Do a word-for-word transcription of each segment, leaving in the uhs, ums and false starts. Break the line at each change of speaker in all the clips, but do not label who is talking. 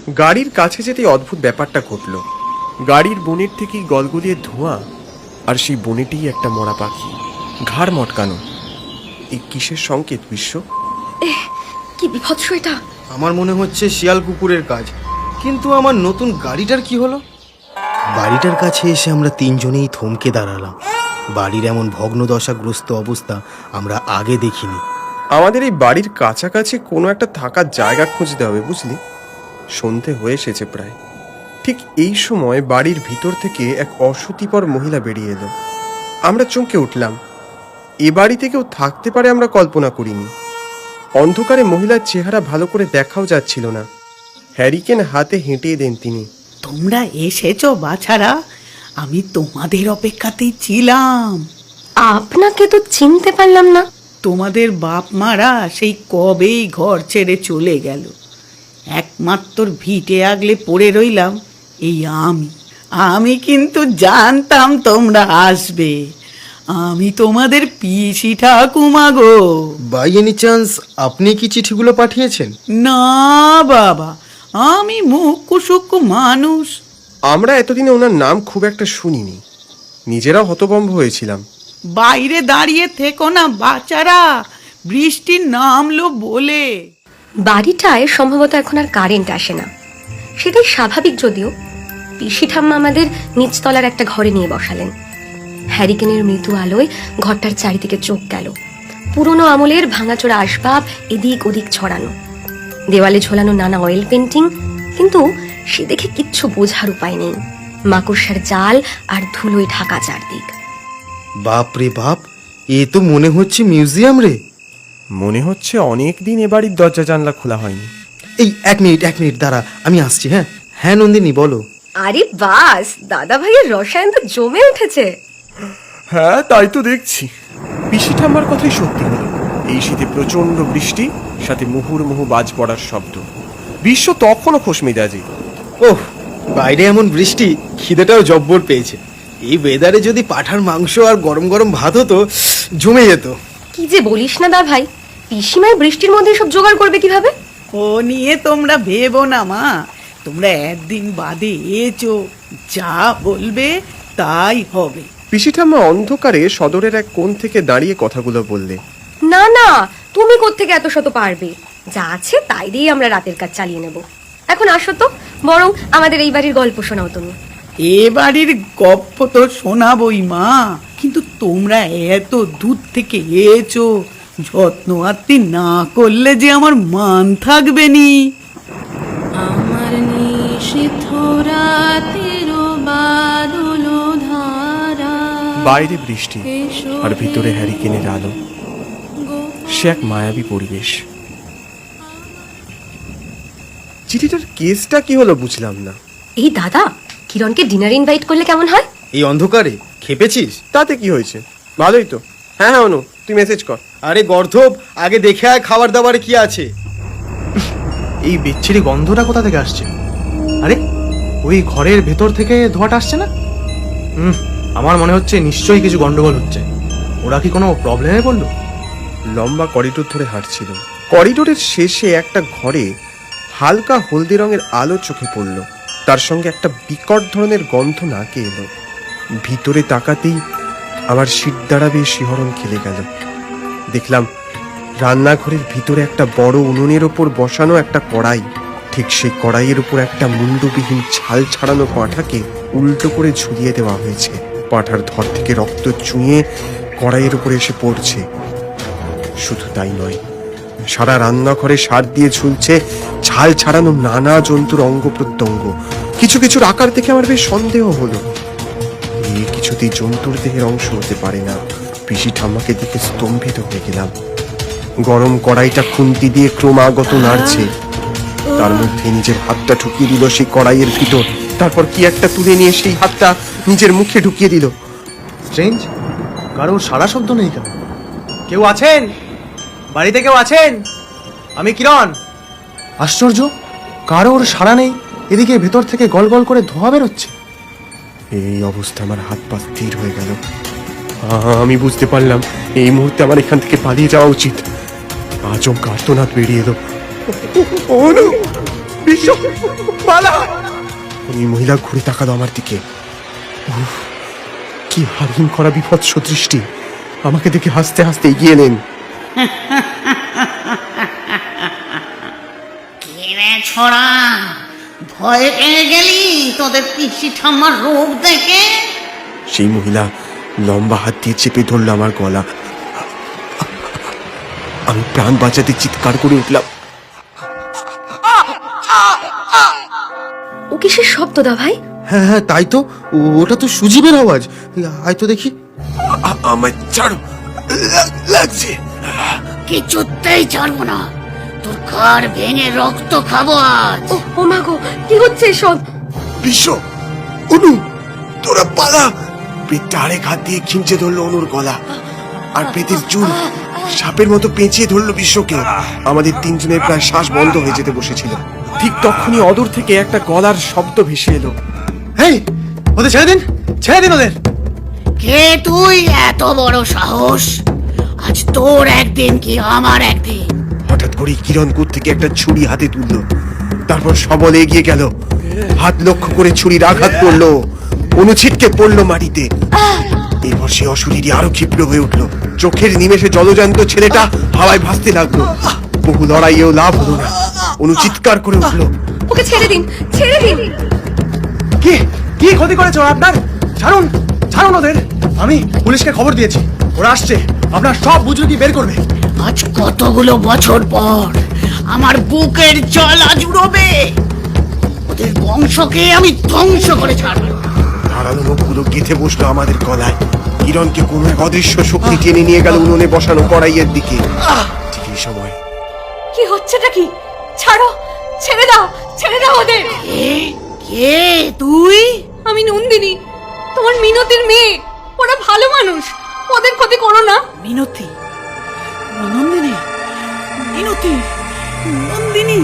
গাড়ির কাছে যেতেই অদ্ভুত ব্যাপারটা ঘটল। গাড়ির বনের থেকেই গলগলিয়ে ধোঁয়া, আর সেই বনেটেই একটা মরা পাখি, ঘাড় মটকানো। এই কিসের সংকেত বিশ্ব?
কি বিভৎস এটা!
আমার মনে হচ্ছে শিয়াল কুকুরের কাজ, কিন্তু আমার নতুন গাড়িটার কি হলো? বাড়িটার কাছে এসে আমরা তিনজনেই থমকে দাঁড়ালাম। বাড়ির এমন ভগ্নদশাগ্রস্ত অবস্থা আমরা আগে দেখিনি।
আমাদের এই বাড়ির কাছাকাছি কোনো একটা থাকার জায়গা খুঁজতে হবে, বুঝলি? সন্ধে হয়ে এসেছে প্রায়। ঠিক এই সময় বাড়ির ভিতর থেকে এক অসতিপর মহিলা বেরিয়ে এলো। আমরা চমকে উঠলাম। এ বাড়িতে কেউ থাকতে পারে আমরা কল্পনা করিনি। অন্ধকারে মহিলার চেহারা ভালো করে দেখাও যাচ্ছিল না। হ্যারিকেন হাতে হেঁটে দেন তিনি।
তোমরা এসেছো বাছারা, আমি তোমাদের অপেক্ষাতেই ছিলাম।
আপনাকে তো চিনতে পারলাম না।
তোমাদের বাপ মারা সেই কবেই ঘর ছেড়ে চলে গেল। একমাত্র ভিটে আগলে পড়ে রইলাম এই আমি। আমি কিন্তু জানতাম তোমরা আসবে। আমি তোমাদের পিসি ঠাকুমা গো।
বাই এনি চান্স আপনি কি চিঠিগুলো পাঠিয়েছেন?
না বাবা, আমি মুখ্য সূক্ষ্ম মানুষ।
আমরা এতদিনে ওনার নাম খুব একটা শুনিনি, নিজেরাও হতভম্ব হয়েছিলাম।
বাইরে দাঁড়িয়ে থেকো না বাচ্চারা, বৃষ্টি নামলো বলে।
বাড়িটায় সম্ভবত এখন আর কারেন্ট আসে না, সেটাই স্বাভাবিক। যদিও পিসি ঠাম্মা আমাদের নিচতলার একটা ঘরে নিয়ে বসালেন। হ্যারিকেনের মৃদু আলোয় ঘরটার চারিদিকে চোখ গেল। পুরনো আমলের ভাঙাচোরা আসবাব এদিক ওদিক ছড়ানো, দেওয়ালে ঝোলানো নানা অয়েল পেন্টিং, কিন্তু সে দেখে কিচ্ছু বোঝার উপায় নেই। মাকড়সার জাল আর ধুলোয় ঢাকা চারদিক।
বাপ রে বাপ, এ তো মনে হচ্ছে মিউজিয়াম রে।
মনে হচ্ছে অনেক দিন এ বাড়ির দরজা জানলা খোলা হয়নি।
এই এক মিনিট এক মিনিট দাঁড়া, আমি আসছি। হ্যাঁ হ্যাঁ নন্দিনী বলো।
আরে বাস, দাদা ভাইয়ের রসায়ন তো জমে উঠেছে।
হ্যাঁ, তাই তো দেখছি। পিসি ঠাম্মার কথাই সত্যি হলো। এই শীতে প্রচন্ড বৃষ্টি, সাথে মুহুর্মুহু বাজ পড়ার শব্দ। বিশ্ব তখনও খোশ মেজাজি।
ওহ, বাইরে এমন বৃষ্টি, খিদেটাও জব্বর পেয়েছে। এই ওয়েদারে যদি পাঠার মাংস আর গরম গরম ভাত হতো, জমে যেত।
কি যে বলিস না দা ভাই, পিসিমায় বৃষ্টির মধ্যে সব জোগাড় করবে কিভাবে?
ও নিয়ে তোমরা ভেবো না মা, তোমরা একদিন বাদে এসো, যা বলবে তাই হবে।
পিসি ঠাম্মা অন্ধকারে সদরের এক কোণ থেকে দাঁড়িয়ে কথাগুলো বললে।
না না, তুমি কোত্থেকে এত শত পারবে? যা আছে তাই দিয়ে আমরা রাতের কাজ চালিয়ে নেব। এখন আসো তো, বরং আমাদের এই বাড়ির গল্প শোনাও তুমি।
এ বাড়ির গপ্প তো শোনাবই মা, কিন্তু তোমরা এত দূর থেকে এসো, যত্ন আত্মি না করলে যে আমার মান থাকবে নি।
আমার নিষিদ্ধ রাতের বাদল ধারা,
বাইরে বৃষ্টি আর ভিতরে হ্যারিকেনের আলো। সে এক মায়াবী পরিবেশ। চিঠিটার কেসটা কি হলো বুঝলাম না।
এই দাদা, কিরণকে ডিনার ইনভাইট করলে কেমন হয়?
এই অন্ধকারে খেপেছিস?
তাতে কি হয়েছে, ভালোই তো। হ্যাঁ হ্যাঁ অনু, তুই মেসেজ কর।
আরে গর্ধব, আগে দেখে আয় খাবার দাবারে কি আছে।
এই বিচ্ছিরি গন্ধটা কোথা থেকে আসছে? আরে ওই ঘরের ভেতর থেকে ধোঁয়াটা আসছে না? হুম, আমার মনে হচ্ছে নিশ্চয়ই কিছু গন্ডগোল হচ্ছে। ওরা কি কোনো প্রবলেমে পড়লো?
লম্বা করিডোর ধরে হাঁটছিল। করিডোরের শেষে একটা ঘরে হালকা হলদে রঙের আলো চোখে পড়ল। তার সঙ্গে একটা বিকট ধরনের গন্ধ নাকে এলো। ভিতরে তাকাতেই আমার শীত দাঁড়াবে শিহরণ খেলে গেল। দেখলাম রান্নাঘরের ভিতরে একটা বড় উনুনের ওপর বসানো একটা কড়াই। ঠিক সেই কড়াইয়ের উপর একটা মুন্ডবিহীন ছাল ছাড়ানো পাঁঠাকে উল্টো করে ঝুলিয়ে দেওয়া হয়েছে। পাঁঠার ধর থেকে রক্ত চুঁয়ে কড়াইয়ের উপরে এসে পড়ছে। শুধু তাই নয়, সারা রান্নাঘরে সার দিয়ে ঝুলছে ছাল ছাড়ানো নানা জন্তুর অঙ্গ প্রত্যঙ্গ। কিছু কিছুর আকার দেখে আমার বেশ সন্দেহ হলো, এই কিছুতেই জন্তুর দেহের অংশ হতে পারে না। পিসি ঠাম্মাকে দেখে স্তম্ভিত হয়ে গেলাম। গরম কড়াইটা খুন্তি দিয়ে ক্রমাগত নাড়ছে। তার মধ্যে নিজের হাতটা ঢুকিয়ে দিল সেই কড়াইয়ের ভিতর। তারপর কি একটা তুলে নিয়ে সেই হাতটা নিজের মুখে ঢুকিয়ে দিল।
স্ট্রেঞ্জ, কারোর সারা শব্দ নেই কেন? কেউ আছেন? বাড়িতে কেউ আছেন? আমি কিরণ। আশ্চর্য, কারোর সাড়া নেই। এদিকে ভেতর থেকে গল গল করে ধোঁয়া বেরোচ্ছে।
এই অবস্থা আমার হাত পা স্থির হয়ে গেল। আমি বুঝতে পারলাম এই মুহূর্তে আমার এখান থেকে পালিয়ে যাওয়া উচিত। আচমকা আর্তনাদ বেরিয়ে এলো। অনু, বিশ্ব, পালা! ওই মহিলা ঘুরে তাকালো আমার দিকে। উফ, কি হারিম করা বিভৎস দৃষ্টি! আমাকে দেখে হাসতে হাসতে এগিয়ে এলেন।
কিরে ছোড়া, ভয় পেয়ে গেলি তোদের পিসি ঠাম্মার রূপ দেখে?
সেই মহিলা লম্বা হাত দিয়ে চেপে ধরল আমার গলা। আমি প্রাণ বাঁচাতে চিৎকার করে উঠলাম।
ও কিসের শব্দ দা ভাই?
হ্যাঁ হ্যাঁ, তাই তো, ও- ওটা তো সুজীবের আওয়াজ। আয় তো দেখি।
আমায় ছাড়ো, লাগ- লাগছে।
কিছুতেই ছাড়বো না, তোর ঘর ভেঙে রক্ত খাবো আজ।
ও ও মা গো, কি হচ্ছে এসব?
বিশ্ব, অনু, তোরা পালা! পেটটা আরেক হাত দিয়ে খিঞ্চে ধরলো অনুর গলা, আর পেটের চুল সাপের মতো পেঁচিয়ে ধরলো বিশ্বকে। আমাদের তিনজনের প্রায় শ্বাস বন্ধ হয়ে যেতে বসেছিল। ঠিক তখনই অদূর থেকে একটা গলার শব্দ ভেসে এলো।
হেই, ওদের ছেড়ে দিন, ছেড়ে দিন ওদের।
কে তুই? এত বড় সাহস! আজ তোর একদিন কি আমার একদিন।
হঠাৎ করে কিরণ কোথ থেকে একটা ছুরি হাতে তুললো, তারপর সবলে এগিয়ে গেল। হাত লক্ষ্য করে ছুরির আঘাত করলো, অনুছিটকে পড়লো মাটিতে। এরপর সে অশরীরী আরো ক্ষিপ্র হয়ে উঠলো। চোখের নিমেষে জলজান্ত ছেলেটা হাওয়ায় ভাসতে লাগলো। বহু লড়াইয়েও লাভ হলো না। অনু চিৎকার করে উঠলো,
ওকে ছেড়ে দিন, ছেড়ে দিন।
কি কি ক্ষতি করেছো আপনার? ছাড়ুন, ছাড়ুন ওদের। আমি পুলিশকে খবর দিয়েছি, ওরা আসছে, আপনার সব বুজরুকি বের করবে।
আজ কতগুলো বছর পর আমার বুকের জ্বালা জুড়োবে। ওদের বংশকে আমি ধ্বংস করে ছাড়বো।
ধারালো মুখগুলো গেঁথে বসলো আমাদের গলায়। কিরণকে কোনো এক অদৃশ্য শক্তি টেনে নিয়ে গেল উনুনে বসানো কড়াইয়ের দিকে। ঠিক এই সময়
কি হচ্ছেটা কি? ছাড়ো, ছেড়ে দাও, ছেড়ে দাও ওদের।
কে কে তুই?
আমি নন্দিনী, তোমার মিনতির মেয়ে। ওরা ভালো মানুষ, ওদের ক্ষতি করো না।
মিনতি, নন্দিনী, মিনতি, নন্দিনী,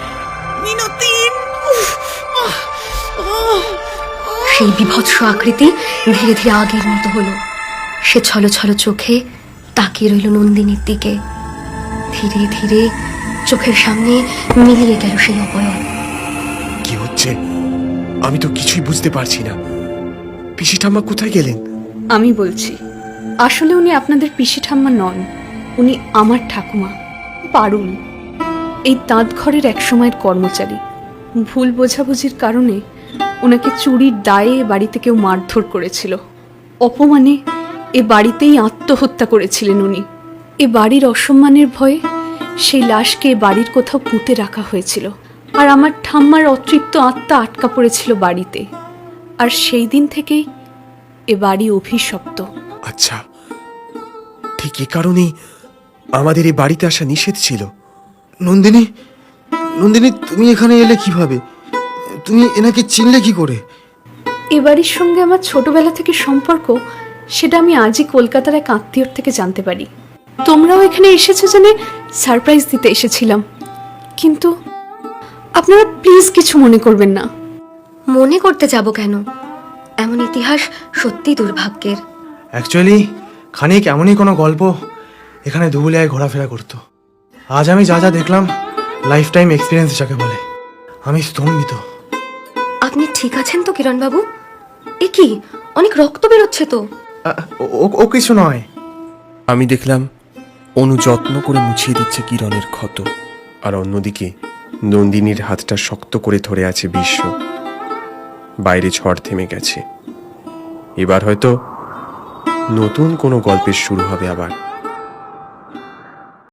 মিনতি। উফ, আহ, আহ,
সেই বিভৎস আকৃতি ধীরে ধীরে আগের মতো হলো। সে ছলো ছলো চোখে তাকিয়ে রইল নন্দিনীর দিকে। ধীরে ধীরে চোখের সামনে মিলিয়ে গেল সেই অবয়ব।
কি হচ্ছে আমি তো কিছুই বুঝতে পারছি না। পিসি ঠাম্মা কোথায় গেলেন?
আমি বলছি, আসলে উনি আপনাদের পিসি ঠাম্মা নন, উনি আমার ঠাকুমা পারুল, এই তাঁত ঘরের এক সময়ের কর্মচারী। ভুল বোঝাবুঝির কারণে ওনাকে চুরির দায়ে এ বাড়িতে কেউ মারধর করেছিল। অপমানে এ বাড়িতেই আত্মহত্যা করেছিলেন উনি। এ বাড়ির অসম্মানের ভয়ে সেই লাশকে এ বাড়ির কোথাও পুঁতে রাখা হয়েছিল, আর আমার ঠাম্মার অতৃপ্ত আত্মা আটকা পড়েছিল বাড়িতে। আর সেই দিন থেকেই এ বাড়ি অভিশপ্ত।
আচ্ছা, ঠিক এ কারণেই আমাদের এই বাড়িতে আসা নিষেধ ছিল।
নন্দিনী, নন্দিনী, তুমি এখানে এলে কিভাবে? তুমি এনাকে চিনলে কি করে?
এ বাড়ির সঙ্গে আমার ছোটবেলা থেকে সম্পর্ক, সেটা আমি আজই কলকাতার এক আত্মীয়র থেকে জানতে পারি। তোমরাও এখানে এসেছো জেনে সারপ্রাইজ দিতে এসেছিলাম, কিন্তু আপনারা প্লিজ কিছু মনে করবেন না।
মনে করতে যাব কেন? এমন ইতিহাস সত্যি দুর্ভাগ্যের।
অ্যাকচুয়ালি খানিক এমনই কোনো গল্প এখানে ধুবুলিয়ায় ঘোরাফেরা করতো। আজ আমি যা যা দেখলাম, লাইফ টাইম এক্সপিরিয়েন্স যাকে বলে, আমি স্তম্ভিত।
আপনি ঠিক আছেন তো কিরণ বাবু? এ কি, অনেক রক্ত বেরোচ্ছে তো।
আ- ও- ও কিছু নয়।
আমি দেখলাম অনু যত্ন করে মুছিয়ে দিচ্ছে কিরণের ক্ষত, আর অন্যদিকে নন্দিনীর হাতটা শক্ত করে ধরে আছে বিশ্ব। বাইরে ঝড় থেমে গেছে। এবার হয়তো নতুন কোনো গল্পের শুরু হবে আবার।